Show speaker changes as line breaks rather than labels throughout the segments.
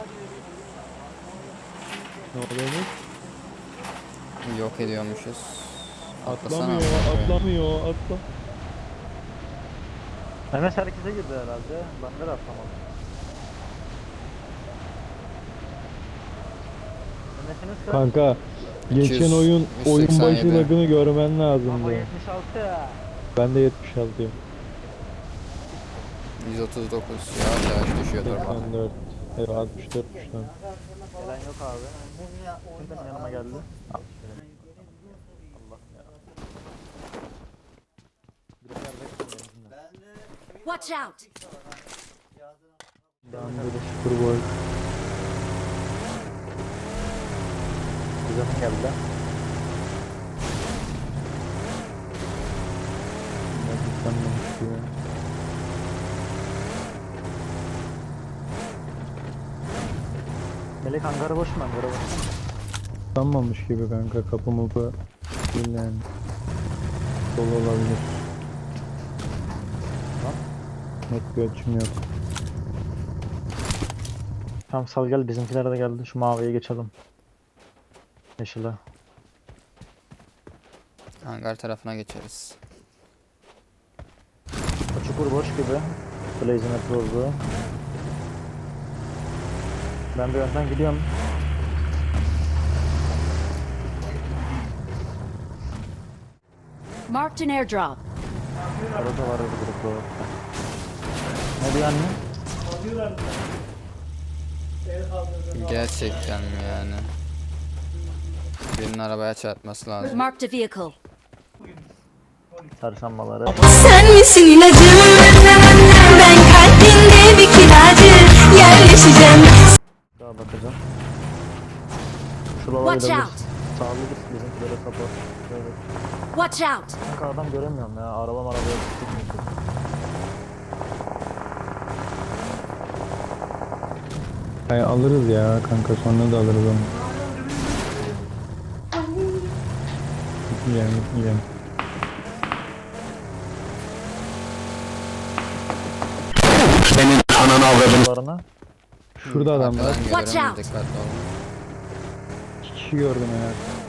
Ne oluyormuş?
Yok ediyormuşuz.
Atlamıyor, atlamıyor, atla.
Mehmet herkese girdi herhalde. Ben de atlamadım. Mehmet'iniz kaç?
Kanka, geçen oyun
187.
başı lagını görmen
Baba
lazımdı.
76 ya.
Ben de 76'yım.
139. Yavaş yavaş düşüyor durma.
84. Evet, 64 şu an.
Gelen yok abi. Kim benim yanıma geldi? Allah ya. Bir de yerde kaldım.
Watch out!
Ben de sıfır boy.
Kuzenim geldi.
Ben sanmamış gibi.
Melek hangarı boş mu? Hangarı boş mu?
Sanmamış gibi kanka, kapı mapı değil yani. Dolu olabilir.
Tamam.
Net bir açım yok.
Tamam sal gel, bizimkiler de geldi. Şu maviye geçelim. Yeşile.
Hangar tarafına geçeriz.
O çukur boş gibi. Blaze'in bozdu. Ben bir önden gidiyorum.
Marked an airdrop.
Arada var bir grup. Ne diyor anne?
Gerçekten mi yani? Birinin arabaya çarpması lazım.
Marked a vehicle.
Çarşambaları.
Sen misin ilacım? Ben kalbinde bir kiracı yerleşeceğim.
Daha bakacağım. Şuralara
Watch
gidebilir.
out!
Sağlı git, bizimkilere support. Evet.
Watch out!
Kanka adam göremiyorum ya. Arabaya tutmuyor.
Hay alırız ya kanka, sonra da alırız onu. Gitmeyeceğim.
Arabalarına.
Şurada adam var.
Arkadan
Watch
görüyorum,
out.
dikkatli olun.
2 kişi gördüm ya.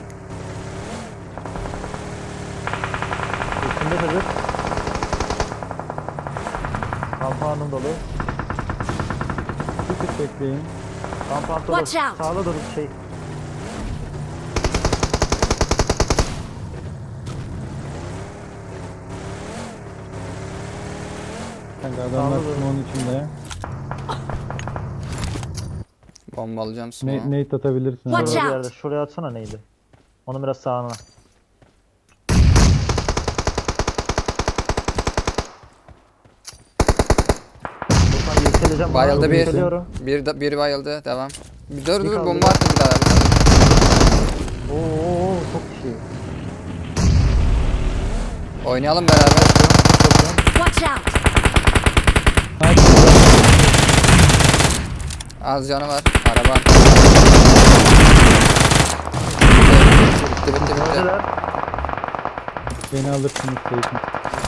Üstünde de bir. Kampanyam dolu.
Bir tık bekleyin.
Kampanya dolu.
Watch out.
Sağda dur şey.
Kanka adamlar
Anladım.
onun içinde.
Bombalayacağım smoke'u.
Nate atabilirsin.
Watch
Şurada bir
out.
yerde. Şuraya atsana neydi? Onu biraz sağına. Buradan yükseleceğim.
Bayıldı bir.
Yükseliyorum.
Bir bayıldı. Devam. Dur
Bir
dur,
kaldı.
bomba attı bir daha.
Oo çok iyi.
Oynayalım beraber.
Watch out!
Az canı var. Araba. Bitti.
Öldüler.
Beni alırsın isteyin.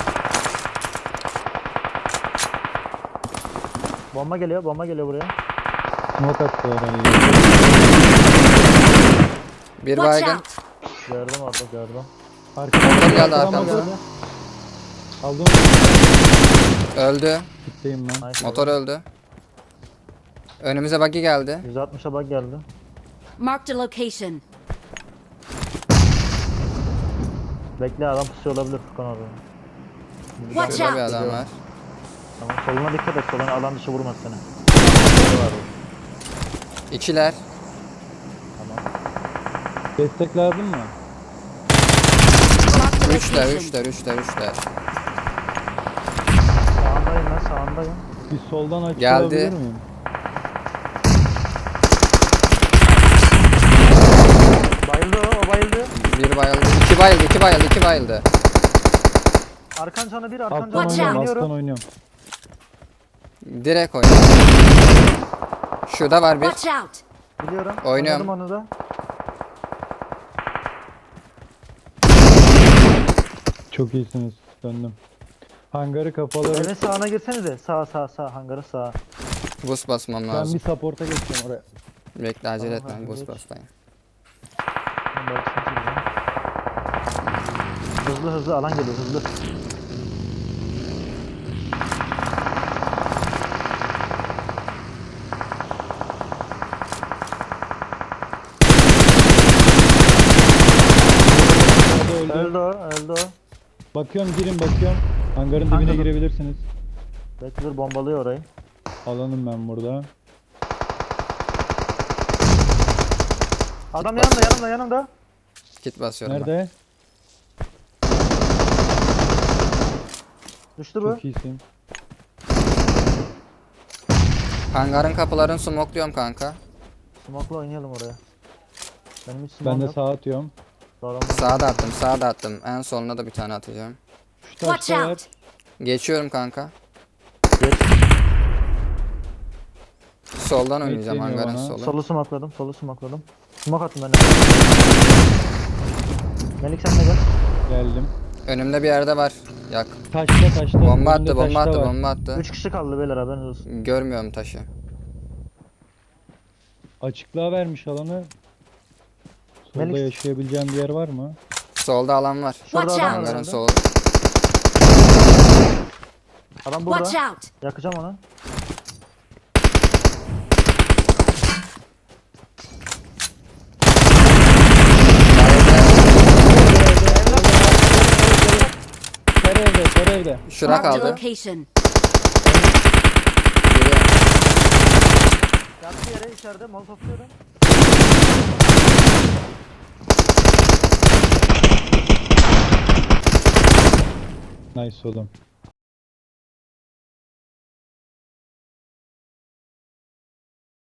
Bomba geliyor buraya.
Smoke attı herhalde.
Bir
Watch
baygın.
out!
Gördüm orada gördüm.
Motor geldi
Arkadan
arkamıza.
motor. Aldım.
Öldü.
Gitteyim ben.
Nice.
Motor öldü. Önümüze buggy geldi.
160'a bak geldi.
Marked a location.
Bekle, adam pusuyor olabilir Furkan orada.
Watch
Şurada bir
out!
adam var.
Tamam, soluna dikkat et, soluna alan dışı vurmaz seni.
İkiler.
Tamam.
Destek lazım mı?
Marked a
Üçler.
location.
Sağındayım ben, sağındayım.
Bir soldan açık
Geldi.
olabilir miyim?
Bayıldı o bayıldı.
Bir bayıldı. İki bayıldı.
Arkan canı bir, arkan
Alttan
canı
Watch
bir.
oynuyorum,
out.
alttan
Oynuyorum.
oynuyorum.
Direkt oyna. Şurada var bir.
Watch out!
Biliyorum.
Oynuyorum.
Oynadım onu da.
Çok iyisiniz. Döndüm. Hangarı kapalı.
Evin sağına girsenize. Sağ, hangarı sağ.
Boost basmam
Ben
lazım.
bir support'a geçeceğim oraya.
Bekle acele
Tamam,
etme.
hadi
Boost
geç.
basayım.
Ben baksana şuradan. Hızlı hızlı alan geliyor hızlı.
Hadi öldü.
Öldü o öldü o.
Bakıyorum girin bakıyorum. Hangarın
Kanka
dibine
dur.
girebilirsiniz.
Bekle dur bombalıyor orayı.
Alanım ben burada.
Adam yanımda.
Kit basıyorum ben.
Nerede?
Düştü bu.
Çok iyisin.
Hangarın kapılarını smokluyorum kanka.
Smoke'la oynayalım oraya. Benim hiç
Ben
smoke'um
de
yok.
sağa atıyorum.
Sağa da attım, sağa da attım. En soluna da bir tane atacağım.
Şu
Watch
taşta var.
out!
Geçiyorum kanka.
Geç.
Soldan oynayacağım
Bekleniyor
hangarın
bana.
solu.
Solu smoke'ladım. Smoke attım ben de. Melik sen de gel.
Geldim.
Önümde bir yerde var. Yak.
Taşta.
Bomba
Önünde
attı, bomba
taşta
attı,
var.
bomba attı.
3 kişi kaldı beyler haberiniz olsun.
Görmüyorum taşı.
Açıklığa vermiş alanı. Solda
Melik-
yaşayabileceğim bir yer var mı?
Solda alan var.
Şurada
Watch
adam
out.
var
Hangarın
herhalde.
solu.
Adam burada.
Watch out!
Yakacağım onu.
Ter evde.
Şura
Marked a
kaldı.
location.
Biri.
Yaktı yere içeride molotofluyorum.
Nice oğlum.